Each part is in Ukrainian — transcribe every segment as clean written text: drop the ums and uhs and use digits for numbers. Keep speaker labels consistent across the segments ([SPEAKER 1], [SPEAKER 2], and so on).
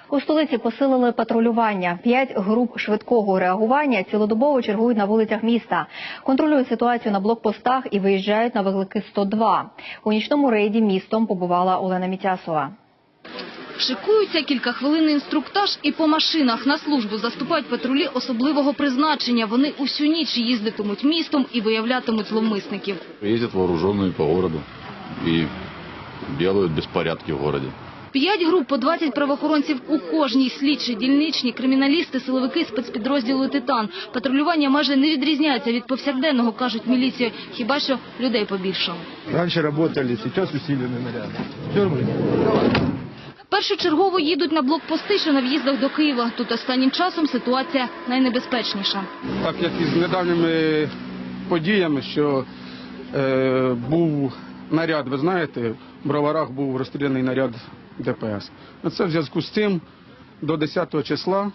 [SPEAKER 1] У столиці посилили патрулювання. 5 груп швидкого реагування цілодобово чергують на вулицях міста. Контролюють ситуацію на блокпостах і виїжджають на виклики 102. У нічному рейді містом побувала Олена Мітясова.
[SPEAKER 2] Шикуються, кілька хвилин інструктаж і по машинах. На службу заступають патрулі особливого призначення. Вони усю ніч їздитимуть містом і виявлятимуть зловмисників.
[SPEAKER 3] Їздять вооружені по городу і роблять безпорядки в городі.
[SPEAKER 2] 5 груп по 20 правоохоронців у кожній: слідчі, дільничні, криміналісти, силовики спецпідрозділу «Титан». Патрулювання майже не відрізняється від повсякденного, кажуть міліції, хіба що людей побільшало.
[SPEAKER 4] Раніше працювали, зараз усилені наряди.
[SPEAKER 2] Першочергово їдуть на блокпости, що на в'їздах до Києва. Тут останнім часом ситуація найнебезпечніша.
[SPEAKER 4] Так як із недавніми подіями, що був наряд, ви знаєте, в Броварах був розстріляний наряд ДПС. Це в зв'язку з цим до 10 числа,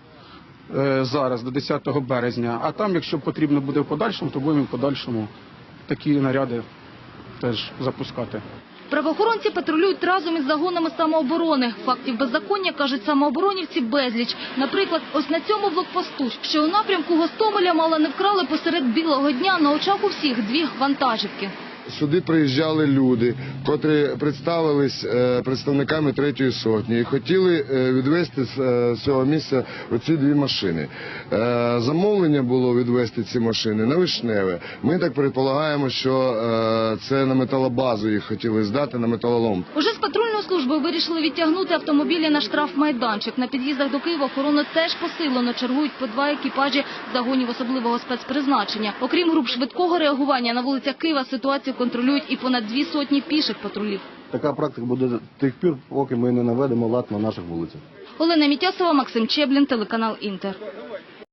[SPEAKER 4] зараз, до 10 березня. А там, якщо потрібно буде в подальшому, то будемо в подальшому такі наряди теж запускати.
[SPEAKER 2] Правоохоронці патрулюють разом із загонами самооборони. Фактів беззаконня, кажуть самооборонівці, безліч. Наприклад, ось на цьому блокпосту, що у напрямку Гостомеля мало не вкрали посеред білого дня на очах у всіх 2 вантажівки.
[SPEAKER 5] Сюди приїжджали люди, котрі представились представниками 3-ї сотні і хотіли відвезти з цього місця оці 2 машини. Замовлення було відвезти ці машини на Вишневе. Ми так предполагаємо, що це на металобазу їх хотіли здати, на металолом.
[SPEAKER 2] Уже з патрульної служби вирішили відтягнути автомобілі на штрафмайданчик. На під'їздах до Києва охорону теж посилено. Чергують по 2 екіпажі загонів особливого спецпризначення. Окрім груп швидкого реагування, на вулицях Києва ситуацію контролюють і понад 2 сотні піших патрулів.
[SPEAKER 6] Така практика буде до тих пір, поки ми не наведемо лад на наших вулицях.
[SPEAKER 2] Олена Мітясова, Максим Чеблін, телеканал «Інтер».